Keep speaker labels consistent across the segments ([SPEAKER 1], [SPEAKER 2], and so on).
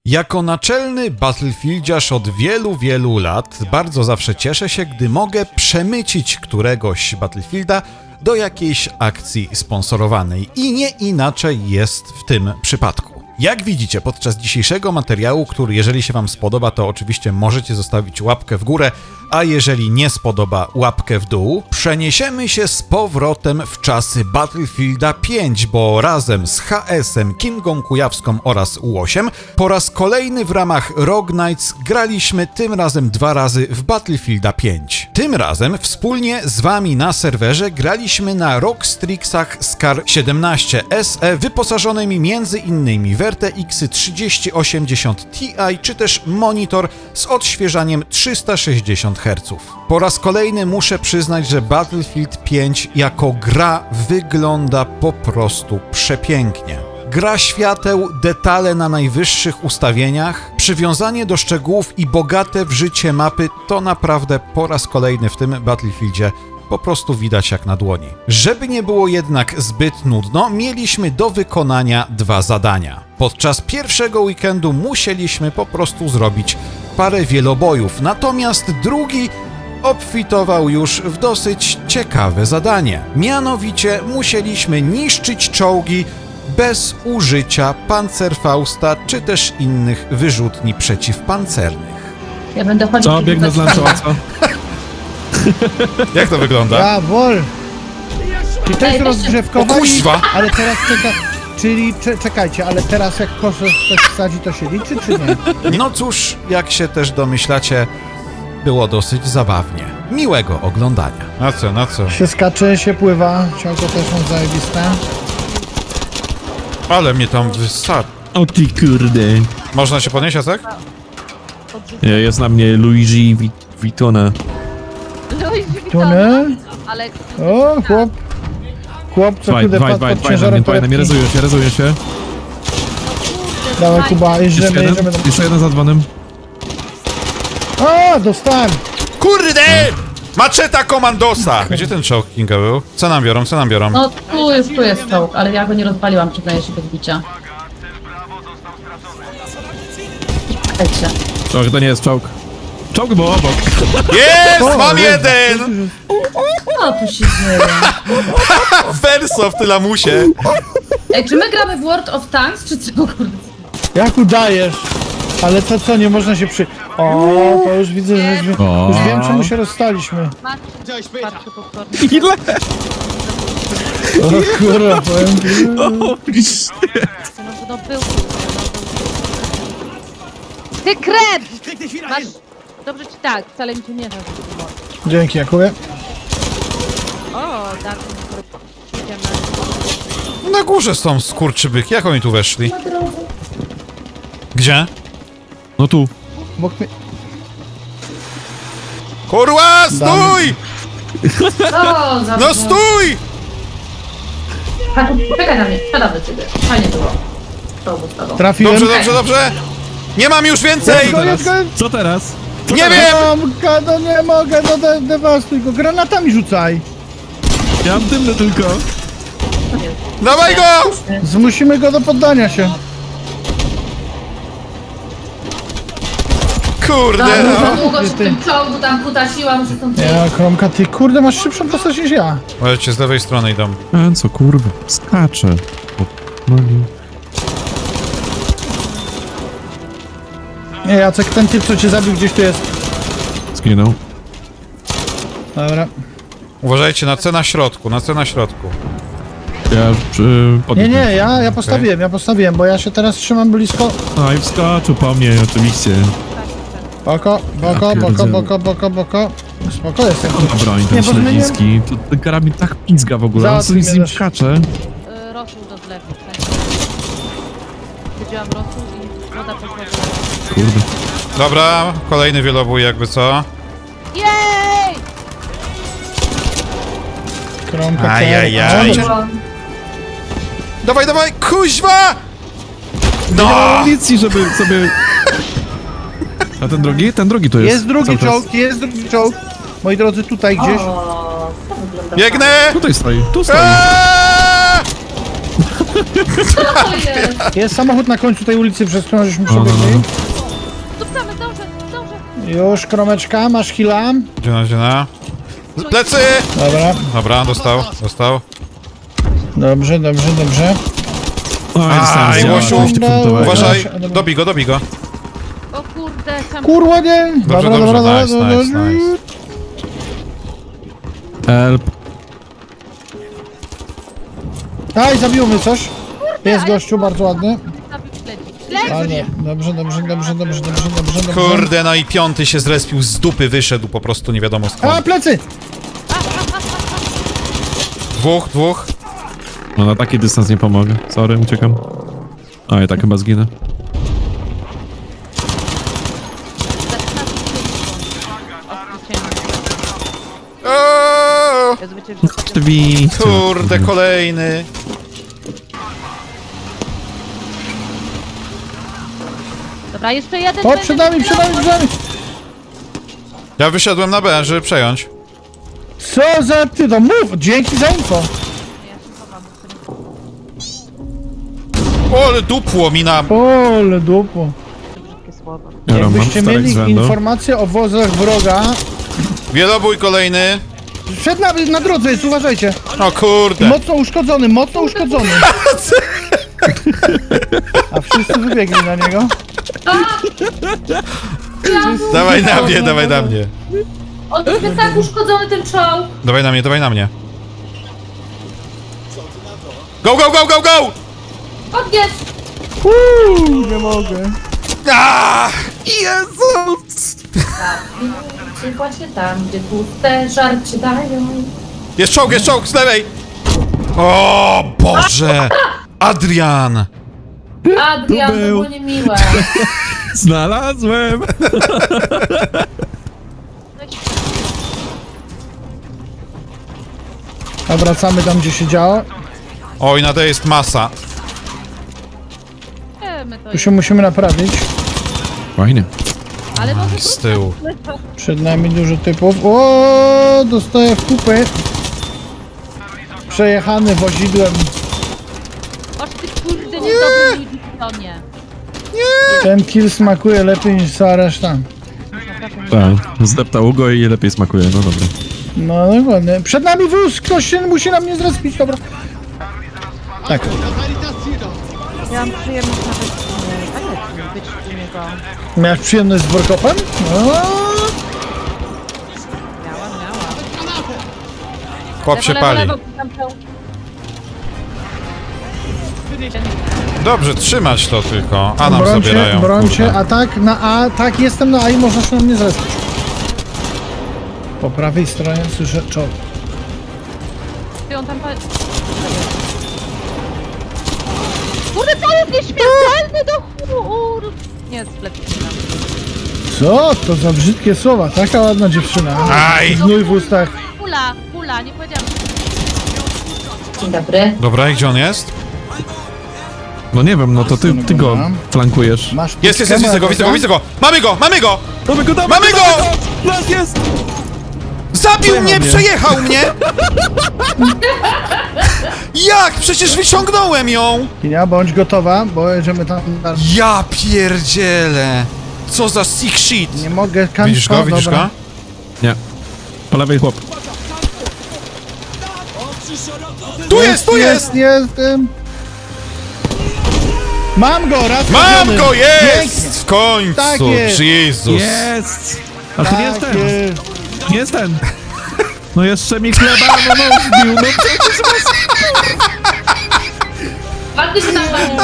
[SPEAKER 1] Jako naczelny Battlefieldziarz od wielu lat bardzo zawsze cieszę się, gdy mogę przemycić któregoś Battlefielda do jakiejś akcji sponsorowanej. I nie inaczej jest w tym przypadku. Jak widzicie podczas dzisiejszego materiału, który jeżeli się wam spodoba, to oczywiście możecie zostawić łapkę w górę, a jeżeli nie spodoba, łapkę w dół, przeniesiemy się z powrotem w czasy Battlefielda 5, bo razem z HS-em, Kingą Kujawską oraz U8 po raz kolejny w ramach Rogue Knights graliśmy tym razem 2 razy w Battlefielda 5. Tym razem wspólnie z wami na serwerze graliśmy na Rockstrixach Scar 17 SE wyposażonymi m.in. w RTX 3080 Ti czy też monitor z odświeżaniem 360 Hz. Po raz kolejny muszę przyznać, że Battlefield 5 jako gra wygląda po prostu przepięknie. Gra świateł, detale na najwyższych ustawieniach, przywiązanie do szczegółów i bogate w życie mapy to naprawdę po raz kolejny w tym Battlefieldzie po prostu widać jak na dłoni. Żeby nie było jednak zbyt nudno, mieliśmy do wykonania 2 zadania. Podczas pierwszego weekendu musieliśmy po prostu zrobić parę wielobojów, natomiast drugi obfitował już w dosyć ciekawe zadanie. Mianowicie musieliśmy niszczyć czołgi bez użycia Panzerfausta czy też innych wyrzutni przeciwpancernych.
[SPEAKER 2] Ja będę chodzić.
[SPEAKER 3] Co? Biegnę z lancowaca.
[SPEAKER 1] Jak to wygląda?
[SPEAKER 4] Ja, wol! I to jest rozgrzewkowa,
[SPEAKER 1] O kuźwa!
[SPEAKER 4] ale teraz czyli czekajcie, ale teraz jak kosze ktoś wsadzi, to się liczy, czy nie?
[SPEAKER 1] No cóż, jak się też domyślacie, było dosyć zabawnie. Miłego oglądania. Na co, na co?
[SPEAKER 4] Się skacze, się pływa, ciągle też są zajebiste.
[SPEAKER 1] Ale mnie tam wystarczy.
[SPEAKER 3] O ty kurde.
[SPEAKER 1] Można się podnieść, Jacek?
[SPEAKER 3] Jest na mnie Luigi Vuittona.
[SPEAKER 4] Tuny?
[SPEAKER 2] Ale
[SPEAKER 4] O, chłop, co chude padł pod ciężarem
[SPEAKER 3] Fajne, mnie
[SPEAKER 4] torebki.
[SPEAKER 3] rezuje się.
[SPEAKER 4] Dawaj Kuba,
[SPEAKER 3] Jeszcze
[SPEAKER 4] jedziemy.
[SPEAKER 3] jeden za dzwonem.
[SPEAKER 4] A, dostałem!
[SPEAKER 1] Kurde! Maczeta komandosa! Gdzie ten czołg Kinga był? Co nam biorą, co nam biorą?
[SPEAKER 2] no tu jest czołg, ale ja go nie rozpaliłam, przyznaję się bez bicia. Czekajcie.
[SPEAKER 3] Czołg, to nie jest czołg. Czołg był obok.
[SPEAKER 1] Jest! Mam jeden!
[SPEAKER 2] Co tu się dzieje?
[SPEAKER 1] Verso w tylamusie.
[SPEAKER 2] Ej, czy my gramy w World of Tanks, czy co, kurde?
[SPEAKER 4] Jak udajesz? Ale to co, nie można się O, to już widzę, że już wiem, czemu się rozstaliśmy.
[SPEAKER 2] Patrzę potwornie.
[SPEAKER 3] Ile?
[SPEAKER 4] O kurwa, powiem ci.
[SPEAKER 2] No był. Ty krep! Masz... Dobrze ci tak, wcale mi się nie da.
[SPEAKER 4] Dzięki, Jakubie.
[SPEAKER 2] O, tak. Idziemy.
[SPEAKER 1] Na górze są skurczybyki, jak oni tu weszli? Gdzie?
[SPEAKER 3] No tu.
[SPEAKER 4] Bok mnie...
[SPEAKER 1] Kurwa, stój!
[SPEAKER 2] O, za...
[SPEAKER 1] No stój!
[SPEAKER 2] Czekaj na mnie, siadam do ciebie. Fajnie było. To ustawą.
[SPEAKER 4] Trafiłem.
[SPEAKER 1] Dobrze. Nie mam już więcej!
[SPEAKER 4] Jedź go.
[SPEAKER 3] Co teraz?
[SPEAKER 1] Nie wiem!
[SPEAKER 4] Tomka, no nie mogę, no dewastuj go. Granatami rzucaj.
[SPEAKER 3] Ja mam dymne tylko.
[SPEAKER 1] Dawaj go!
[SPEAKER 4] Zmusimy go do poddania się.
[SPEAKER 1] Kurde,
[SPEAKER 2] No,
[SPEAKER 1] no.
[SPEAKER 2] za długo się w tym czołgu tam kutasiłam, że stąd...
[SPEAKER 4] Ja, Kromka, ty kurde masz szybszą postać niż ja.
[SPEAKER 1] Możecie z lewej strony idą.
[SPEAKER 3] Co kurwa? Skacze.
[SPEAKER 4] Nie, Jacek, ten typ, co cię zabił, gdzieś tu jest.
[SPEAKER 3] Zginął.
[SPEAKER 4] Dobra.
[SPEAKER 1] Uważajcie na C na środku, na C na środku.
[SPEAKER 3] Ja
[SPEAKER 4] Nie, ja postawiłem, bo ja się teraz trzymam blisko.
[SPEAKER 3] No i wskoczył po mnie, oczywiście.
[SPEAKER 4] Boko. Spoko jestem.
[SPEAKER 3] On ma broń, ten
[SPEAKER 4] Nie, bo
[SPEAKER 3] śledziński. To ten karabin tak pizga w ogóle. On
[SPEAKER 4] Załatwi
[SPEAKER 3] sobie z
[SPEAKER 4] mnie
[SPEAKER 3] nim
[SPEAKER 4] też.
[SPEAKER 3] skacze.
[SPEAKER 2] Rosół do zlewu. Wiedziałam rosół i woda poszła do...
[SPEAKER 3] Kurde.
[SPEAKER 1] Dobra, kolejny wielobój jakby co.
[SPEAKER 2] Jej!
[SPEAKER 4] Kromka,
[SPEAKER 1] Ajajaj. Dawaj, kuźwa!
[SPEAKER 3] Nie ma
[SPEAKER 1] No!
[SPEAKER 3] amunicji, żeby sobie... A ten drugi? Ten drugi to jest.
[SPEAKER 4] Jest drugi czołg, Moi drodzy, tutaj gdzieś.
[SPEAKER 2] O, to wygląda...
[SPEAKER 1] Biegnę!
[SPEAKER 3] Tutaj stoi, tu stoi.
[SPEAKER 1] Aaaa!
[SPEAKER 5] Co to jest?
[SPEAKER 4] Jest samochód na końcu tej ulicy, przez którą żeśmy
[SPEAKER 3] no,
[SPEAKER 4] przebiegli.
[SPEAKER 2] Zdążę, zdążę.
[SPEAKER 4] Już, kromeczka, masz heala.
[SPEAKER 1] Dziena. Plecy!
[SPEAKER 4] Dobra,
[SPEAKER 1] Dobra, dostał.
[SPEAKER 4] dobrze.
[SPEAKER 3] Oj, dostałem
[SPEAKER 1] Aj,
[SPEAKER 3] zdziała,
[SPEAKER 1] Łosiu.
[SPEAKER 3] 200 funtowego.
[SPEAKER 1] Uważaj,
[SPEAKER 4] Dobra.
[SPEAKER 1] dobij go.
[SPEAKER 2] O kurde, sam...
[SPEAKER 4] Kurwa, nie!
[SPEAKER 1] Dobrze, nice.
[SPEAKER 3] Help.
[SPEAKER 4] Aj, zabiło mnie coś. Jest gościu, bardzo ładny.
[SPEAKER 2] Zabił śledzi.
[SPEAKER 4] Ale dobrze.
[SPEAKER 1] Kurde, no i piąty się zrespił z dupy, wyszedł po prostu nie wiadomo
[SPEAKER 4] A,
[SPEAKER 1] skąd.
[SPEAKER 4] plecy!
[SPEAKER 1] Dwóch.
[SPEAKER 3] No na taki dystans nie pomogę. Sorry, uciekam. A, ja tak chyba zginę.
[SPEAKER 1] O,
[SPEAKER 2] Ja zwyciężę.
[SPEAKER 3] Oczywiście.
[SPEAKER 1] kurde, kolejny.
[SPEAKER 2] Dobra, jeszcze jeden.
[SPEAKER 4] O, przed nami!
[SPEAKER 1] Ja wyszedłem na B, żeby przejąć.
[SPEAKER 4] Co za ty to? Mów! Dzięki za info!
[SPEAKER 1] O, ale dupło mi na...
[SPEAKER 4] Ole dupo.
[SPEAKER 2] Brzydkie słowo.
[SPEAKER 3] Ja mam
[SPEAKER 4] Jakbyście
[SPEAKER 3] czterech
[SPEAKER 4] mieli
[SPEAKER 3] z rzędu.
[SPEAKER 4] informacje o wozach wroga...
[SPEAKER 1] Wielobój kolejny.
[SPEAKER 4] Przed nami, na drodze jest, uważajcie!
[SPEAKER 1] O kurde.
[SPEAKER 4] Mocno uszkodzony! A wszyscy wybiegli na niego.
[SPEAKER 1] Dawaj na mnie.
[SPEAKER 5] On jest tak uszkodzony ten czołg.
[SPEAKER 1] Dawaj na mnie. Go!
[SPEAKER 5] Odjedź!
[SPEAKER 4] Nie mogę.
[SPEAKER 1] Aaaa!
[SPEAKER 3] Jezus!
[SPEAKER 5] Czy właśnie tam, gdzie puste żarcie dają.
[SPEAKER 1] Jest czołg, z lewej! O Boże! Adrian!
[SPEAKER 5] Adrian,
[SPEAKER 3] Tu
[SPEAKER 5] to
[SPEAKER 3] był.
[SPEAKER 5] było niemiłe.
[SPEAKER 3] Znalazłem!
[SPEAKER 4] A wracamy tam, gdzie się działo.
[SPEAKER 1] Oj, na D jest masa.
[SPEAKER 2] My to
[SPEAKER 4] Tu się musimy naprawić.
[SPEAKER 3] Fajnie.
[SPEAKER 2] Ale może
[SPEAKER 1] Z tyłu.
[SPEAKER 4] Przed nami dużo typów. O, dostaję w kupy. Przejechany wozidłem.
[SPEAKER 2] Oż ty kurde niedobry Livistonie.
[SPEAKER 4] Ten kill smakuje lepiej niż cała reszta.
[SPEAKER 3] Tak, zdeptał go i lepiej smakuje, no dobra.
[SPEAKER 4] No dokładnie. Przed nami wóz! Ktoś się musi na mnie zrespić, dobra. Tak.
[SPEAKER 2] Ja mam przyjemność nawet być u niego.
[SPEAKER 4] Miałeś przyjemność z workopem? No.
[SPEAKER 2] Miałam.
[SPEAKER 1] Chłop się pali.
[SPEAKER 2] Tam są.
[SPEAKER 1] Dobrze, trzymać to tylko. A nam
[SPEAKER 4] Brońcie,
[SPEAKER 1] zabierają.
[SPEAKER 4] brońcie.
[SPEAKER 1] kurde.
[SPEAKER 4] A tak, na A. Tak, jestem na A i można się na mnie zrespić. Po prawej stronie słyszę czołg.
[SPEAKER 2] Ty on tam Kurde, to jest nieśmiertelny do chór! Nie, splepię się nam.
[SPEAKER 4] Co to za brzydkie słowa? Taka ładna dziewczyna.
[SPEAKER 1] Aj!
[SPEAKER 4] Gnój w ustach.
[SPEAKER 2] Pula, nie powiedziałam.
[SPEAKER 5] Dzień dobry.
[SPEAKER 1] Dobra, i gdzie on jest?
[SPEAKER 3] No nie wiem, no to ty go
[SPEAKER 4] Dobra.
[SPEAKER 3] flankujesz.
[SPEAKER 4] Masz
[SPEAKER 1] Jest,
[SPEAKER 4] pustkę,
[SPEAKER 1] widzę go. Mamy go!
[SPEAKER 3] Mamy go!
[SPEAKER 1] Mamy go!
[SPEAKER 3] Nas jest!
[SPEAKER 1] Zabił mnie,
[SPEAKER 3] mnie.
[SPEAKER 1] przejechał mnie! Jak? Przecież wyciągnąłem ją!
[SPEAKER 4] Kinia, bądź gotowa, bo jedziemy tam.
[SPEAKER 1] Ja pierdzielę! Co za sick shit!
[SPEAKER 4] Nie mogę kańca.
[SPEAKER 1] Widzisz go? Widzisz go?
[SPEAKER 3] Nie. Po lewej chłop.
[SPEAKER 1] Tu jest!
[SPEAKER 4] Jestem. Mam go, raz
[SPEAKER 1] Mam
[SPEAKER 4] trafiony.
[SPEAKER 1] go!
[SPEAKER 4] Pięknie.
[SPEAKER 1] Jest! W końcu!
[SPEAKER 4] Tak jest.
[SPEAKER 1] Jezus!
[SPEAKER 3] Jest! A to nie jest
[SPEAKER 4] Tak
[SPEAKER 3] ten.
[SPEAKER 4] jest.
[SPEAKER 3] Nie jest ten. No jeszcze mi chleba, no zbił, no przecież was...
[SPEAKER 5] Ładnie się tam bawi.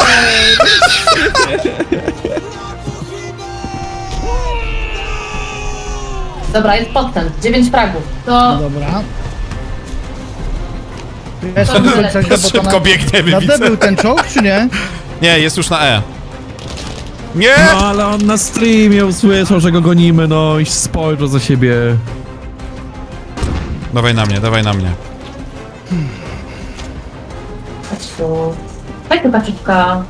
[SPEAKER 5] Dobra, jest podtem. 9 fragów. To
[SPEAKER 4] Dobra. Jestem do końca źle, bo to
[SPEAKER 1] Szybko biegniemy,
[SPEAKER 4] na D
[SPEAKER 1] widzę.
[SPEAKER 4] był ten czołg, czy nie?
[SPEAKER 1] Nie, jest już na E. Nie!
[SPEAKER 3] No ale on na streamie usłyszał, że go gonimy, no i spojrzał za siebie.
[SPEAKER 1] Dawaj na mnie.
[SPEAKER 5] chodź tu. Chodź tu, kaczyczka.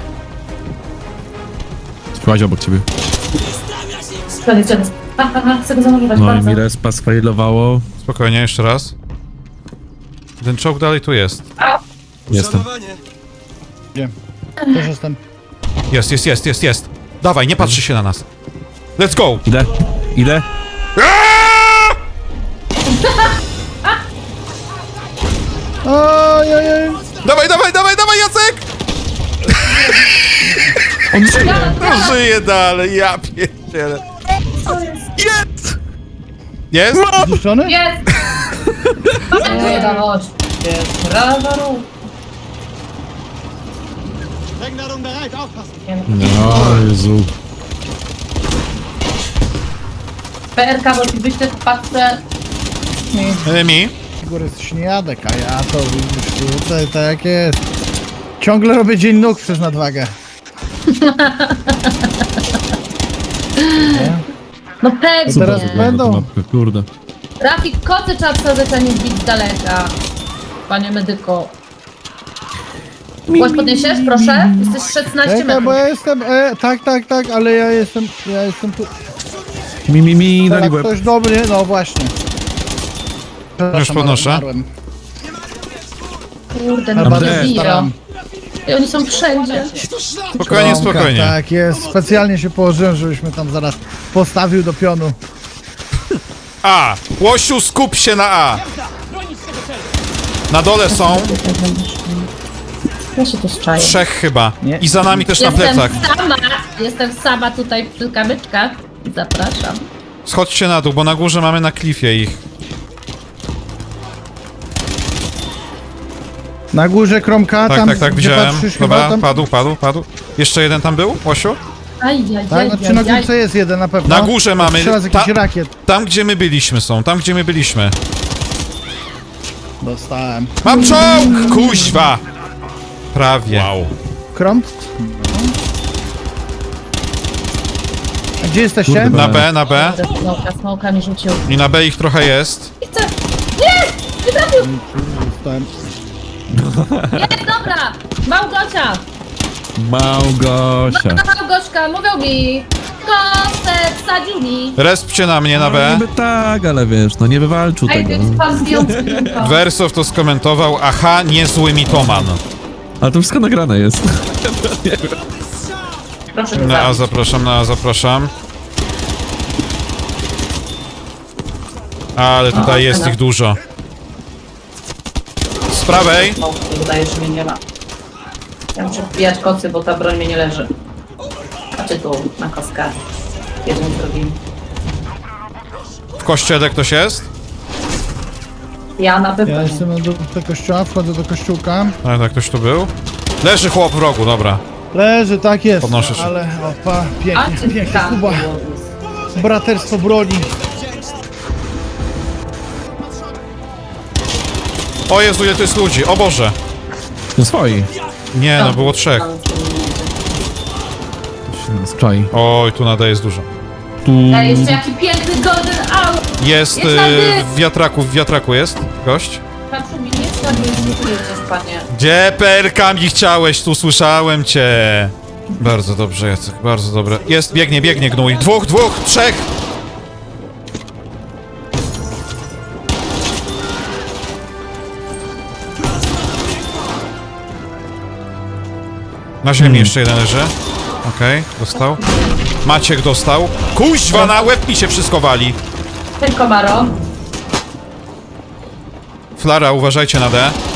[SPEAKER 3] Słuchaj obok ciebie.
[SPEAKER 5] Gdzie jest? Chcę go zanurzować
[SPEAKER 3] No i
[SPEAKER 5] bardzo.
[SPEAKER 3] mi respa sfailowało.
[SPEAKER 1] Spokojnie, jeszcze raz. Ten czołg dalej tu jest.
[SPEAKER 3] Jestem.
[SPEAKER 4] Gdzie? Też jestem.
[SPEAKER 1] Jest. Dawaj, nie patrzy się na nas. Let's go!
[SPEAKER 3] Idę.
[SPEAKER 4] Ojej.
[SPEAKER 1] Dawaj, Jacek!
[SPEAKER 3] On żyje.
[SPEAKER 1] No żyje dalej, ja pierdzielę.
[SPEAKER 3] Jest!
[SPEAKER 1] Jest?
[SPEAKER 4] Zniszczony?
[SPEAKER 5] Jest! Nie da chodź. Jest. Brawa, rób.
[SPEAKER 3] No, Jezu.
[SPEAKER 5] PRK, bo ci wyślę w paczce.
[SPEAKER 1] Mi?
[SPEAKER 4] Góry jest śniadek, a ja to widzisz tutaj tak jest. Ciągle robię dzień nóg przez nadwagę.
[SPEAKER 5] No pewnie.
[SPEAKER 4] Teraz będą.
[SPEAKER 3] Mapkę, kurde.
[SPEAKER 5] Rafik, kocy trzeba wsadzać, a nie wbić z daleka. Panie medyko. Głos podniesiesz, proszę? Jesteś 16
[SPEAKER 4] Czekaj, bo
[SPEAKER 5] metrów.
[SPEAKER 4] ja jestem, tak, ale ja jestem tu.
[SPEAKER 3] Mi, dali
[SPEAKER 4] Tak,
[SPEAKER 3] łeb.
[SPEAKER 4] ktoś dobry, no właśnie. Przepraszam,
[SPEAKER 1] podnoszę.
[SPEAKER 4] ale umarłem.
[SPEAKER 5] Kurde,
[SPEAKER 4] Na
[SPEAKER 5] no
[SPEAKER 3] badę
[SPEAKER 5] nie biją.
[SPEAKER 4] staram.
[SPEAKER 5] I oni są wszędzie.
[SPEAKER 1] Spokojnie,
[SPEAKER 4] Kromka,
[SPEAKER 1] spokojnie.
[SPEAKER 4] Tak jest, specjalnie się położyłem, żebyśmy tam zaraz postawił do pionu.
[SPEAKER 1] A! Łosiu, skup się na A! Na dole są
[SPEAKER 5] Ja się tu czaję.
[SPEAKER 1] 3 chyba.
[SPEAKER 4] Nie.
[SPEAKER 1] I za nami też na plecach.
[SPEAKER 5] Jestem sama tutaj przy kamyczkach. Zapraszam.
[SPEAKER 1] Schodźcie na dół, bo na górze mamy na klifie ich.
[SPEAKER 4] Na górze Kromka, tam
[SPEAKER 1] Tak,
[SPEAKER 4] gdzie
[SPEAKER 1] widziałem.
[SPEAKER 4] patrzysz chyba,
[SPEAKER 1] Dobra,
[SPEAKER 4] tam...
[SPEAKER 1] padł. Jeszcze jeden tam był, Łosiu?
[SPEAKER 4] Tak, znaczy na górce jest jeden na pewno.
[SPEAKER 1] Na górze mamy.
[SPEAKER 4] Strzela z jakichś rakiet.
[SPEAKER 1] Tam, gdzie my byliśmy są, tam, gdzie my byliśmy.
[SPEAKER 4] Dostałem.
[SPEAKER 1] Mam czołg! Kuźwa! Prawie. Wow.
[SPEAKER 4] Krom? A gdzie jesteście?
[SPEAKER 3] Kurde,
[SPEAKER 1] Na B.
[SPEAKER 5] Smoka mi rzucił.
[SPEAKER 1] I na B ich trochę jest.
[SPEAKER 5] I chcę. Nie! Nie trafił!
[SPEAKER 4] Dostałem.
[SPEAKER 5] Jest, dobra! Małgosia!
[SPEAKER 3] Małgosia.
[SPEAKER 5] Małgoszka, mówią mi! Kosę wsadził mi!
[SPEAKER 1] Respcie na mnie na
[SPEAKER 3] No,
[SPEAKER 1] B.
[SPEAKER 3] niby tak, ale wiesz, no nie wywalczył
[SPEAKER 5] Ej,
[SPEAKER 3] tego.
[SPEAKER 5] więc pan zdjący.
[SPEAKER 1] Wersow to skomentował, aha, niezły mitoman.
[SPEAKER 3] Ale to wszystko nagrane jest.
[SPEAKER 5] Proszę go
[SPEAKER 1] Na A
[SPEAKER 5] zabić.
[SPEAKER 1] zapraszam. Ale tutaj jest ich dużo. Z prawej.
[SPEAKER 5] No, wydaje, że mnie nie ma. Ja muszę wbijać kocy, bo ta broń mnie nie leży. Znaczy tu, na kostkach. Jeden z drugim.
[SPEAKER 1] W kościele ktoś jest?
[SPEAKER 5] Ja na pewno.
[SPEAKER 4] Ja jestem do kościoła, wchodzę do kościółka.
[SPEAKER 1] Tak, ktoś tu był. Leży chłop w rogu, dobra.
[SPEAKER 4] Leży, tak jest.
[SPEAKER 1] Podnoszę się.
[SPEAKER 4] Ale opa,
[SPEAKER 5] A
[SPEAKER 4] pięknie,
[SPEAKER 5] ty
[SPEAKER 4] pięknie.
[SPEAKER 5] tam
[SPEAKER 4] Kuba,
[SPEAKER 5] było.
[SPEAKER 4] braterstwo broni.
[SPEAKER 1] O Jezu, ile to jest ludzi, o Boże.
[SPEAKER 3] No swoi.
[SPEAKER 1] Nie, no było 3.
[SPEAKER 3] Z czai.
[SPEAKER 1] Oj, tu nada jest dużo.
[SPEAKER 3] Tu...
[SPEAKER 5] Ej, jeszcze jaki piękny golden hour!
[SPEAKER 1] Jest
[SPEAKER 5] Jest na dół.
[SPEAKER 1] w wiatraku jest gość.
[SPEAKER 5] Patrz mi, nie spadnie, nie czujecie, panie.
[SPEAKER 1] Gdzie perkami chciałeś? Tu słyszałem cię. Bardzo dobrze, Jacek, bardzo dobre. Jest, biegnie gnój. Dwóch, trzech! Na ziemi jeszcze jeden leży. Okej, dostał. Maciek dostał. Kuźwa, na łeb mi się wszystko wali.
[SPEAKER 5] Tylko Maro.
[SPEAKER 1] Flara, uważajcie na D.